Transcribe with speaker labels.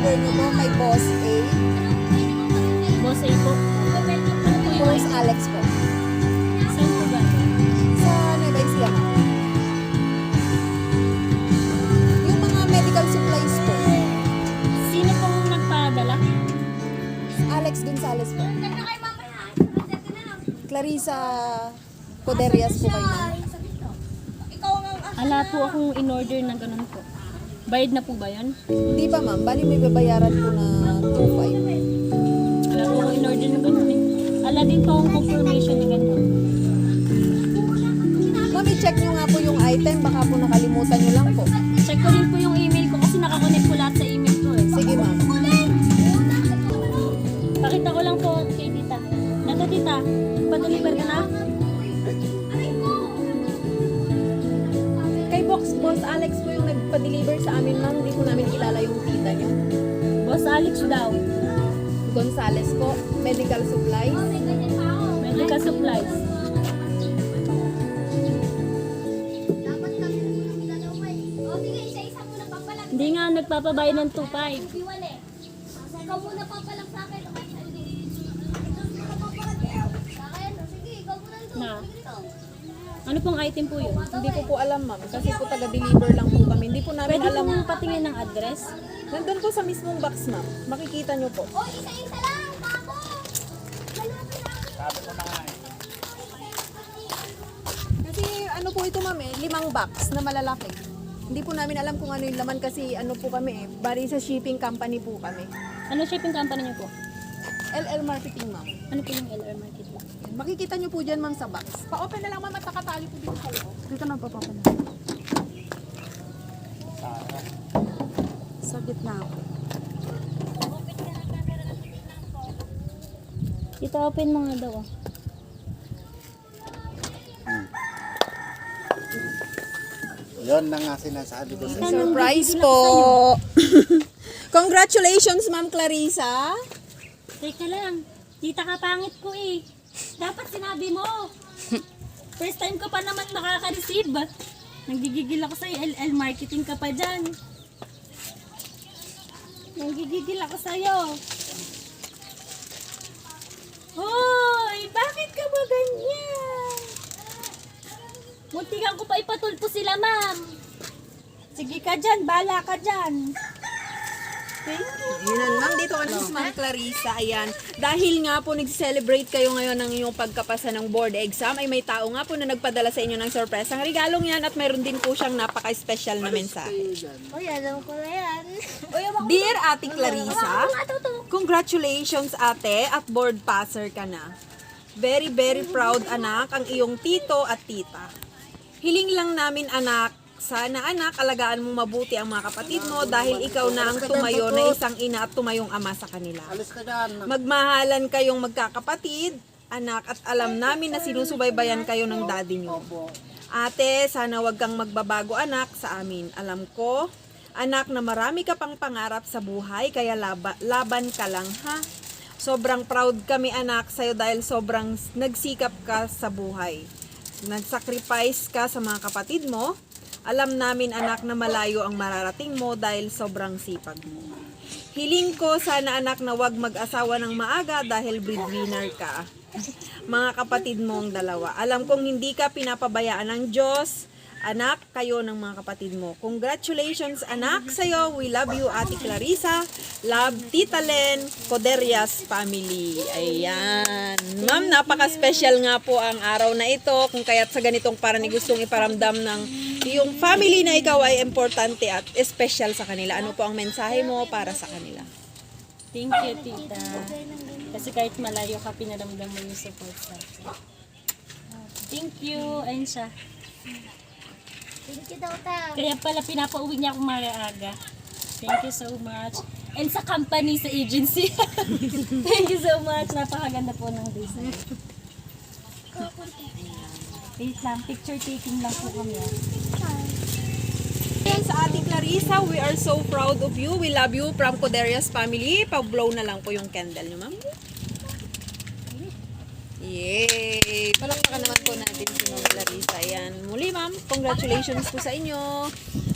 Speaker 1: order nyo po kay Boss A.
Speaker 2: Boss A po. Ano po yung
Speaker 1: Boss Alex po.
Speaker 2: Saan po ba?
Speaker 1: Sa Nueva Ecija, ma'am. Yung mga medical supplies po.
Speaker 2: Sino pong nagpadala?
Speaker 1: Alex Gonzalez po. Clarissa Coderias po kayo, ma'am.
Speaker 2: Ala po akong in-order na ganun po. Bayad na po ba yun?
Speaker 1: Hindi pa, ma'am. Bali may babayaran po na 2.5.
Speaker 2: Ala po akong in-order na ganun eh. Ala din po akong confirmation na ganun.
Speaker 1: Ma'am, i-check nyo nga po yung item. Baka po nakalimutan nyo lang po.
Speaker 2: Check ko din po yung email ko kasi nakakonect po lahat sa email ko eh.
Speaker 1: Sige, ma'am.
Speaker 2: Pakita ko lang po kay tita. Nato tita, pa-deliver ka na?
Speaker 1: Kay Boss Alex po yung nagpa-deliver sa amin, ma'am. Hindi po namin kilala yung tita nyo.
Speaker 2: Boss Alex daw.
Speaker 1: Gonzales po. Medical supplies.
Speaker 2: Medical supplies. Hindi nga nagpapabayad ng 2.5.
Speaker 3: Ikaw muna papalang sa akin. Sige, ikaw muna ito.
Speaker 2: Na. Ano pong item po yun?
Speaker 1: Hindi ko po alam, ma'am. Kasi po taga-deliver lang po kami. Hindi po namin
Speaker 2: Pwede
Speaker 1: alam.
Speaker 2: pong patingin ng address?
Speaker 1: Nandun po sa mismong box, ma'am. Makikita nyo po.
Speaker 3: O, isa-isa lang, bako.
Speaker 1: Kasi ano po ito, ma'am, 5 box na malalaki. Hindi po namin alam kung ano yung laman kasi ano po kami bali sa shipping company po kami.
Speaker 2: Ano shipping company niyo po?
Speaker 1: LL Marketing, ma'am.
Speaker 2: Ano po yung LR Market po?
Speaker 1: Yan. Makikita nyo po dyan, ma'am, sa box. Pa-open na lang, ma'am, at nakatali po dito sa loob.
Speaker 2: Dito na po na.
Speaker 1: Sa gitna po.
Speaker 2: Dito open mo nga daw. Oh.
Speaker 4: Yun na nga sinasabi ko sa
Speaker 1: Surprise po! Congratulations, Ma'am Clarissa!
Speaker 2: Teka lang. Tita ka pangit ko eh. Dapat sinabi mo. First time ko pa naman makaka-receive. Nanggigigil ako sa'yo. LL marketing ka pa dyan. Nanggigigil ako sa'yo. Hoy! Bakit ka ba ganyan? Muntikan ko pa ipatulpo sila, ma'am. Sige ka dyan. Bala ka dyan. Thank you.
Speaker 1: Ayan, ma'am, dito ka na si Ma'am Clarissa. Ayan. Dahil nga po nag-celebrate kayo ngayon ng inyong pagkapasa ng board exam, ay may tao nga po na nagpadala sa inyo ng surprise. Ang regalong yan at mayroon din po siyang napaka-special na mensahe.
Speaker 3: Uy, alam ko na yan.
Speaker 1: Dear Ate Clarissa, congratulations ate at board passer ka na. Very, very proud anak ang iyong tito at tita. Hiling lang namin anak, sana anak, alagaan mo mabuti ang mga kapatid mo dahil ikaw na ang tumayo na isang ina at tumayong ama sa kanila.
Speaker 4: Alis ka dyan.
Speaker 1: Magmahalan kayong magkakapatid, anak, at alam namin na sinusubaybayan kayo ng daddy nyo. Ate, sana wag kang magbabago anak sa amin. Alam ko, anak, na marami ka pang pangarap sa buhay, kaya laban ka lang ha. Sobrang proud kami anak sa'yo dahil sobrang nagsikap ka sa buhay. Nagsacrifice ka sa mga kapatid mo. Alam namin anak na malayo ang mararating mo dahil sobrang sipag mo. Hiling ko sana anak na wag mag-asawa ng maaga dahil breadwinner ka. Mga kapatid mo ang dalawa. Alam kong hindi ka pinapabayaan ng Diyos. Anak, kayo ng mga kapatid mo. Congratulations anak sa'yo. We love you Ate Clarissa. Love Tita Len, Coderias family. Ayan. Ma'am, napaka-special nga po ang araw na ito. Kung kaya't sa ganitong parang gustong iparamdam ng yung family na ikaw ay importante at special sa kanila. Ano po ang mensahe mo para sa kanila?
Speaker 2: Thank you, tita. Kasi kahit malayo ka, pinaramdam mo yung support sa akin. Thank you. Ayun siya.
Speaker 3: Thank you daw, ta.
Speaker 2: Kaya pala pinapauwi niya akong maaga. Thank you so much. And sa company, sa agency. Thank you so much. Napakaganda po ng design. Wait lang, picture taking lang po kami.
Speaker 1: Ayan sa Ate Clarissa, we are so proud of you. We love you from Coderias family. Pag-blow na lang po yung candle nyo, ma'am. Yay! Palakpakan naman po natin si Ma'am Clarissa. Ayan. Muli, ma'am, congratulations po sa inyo.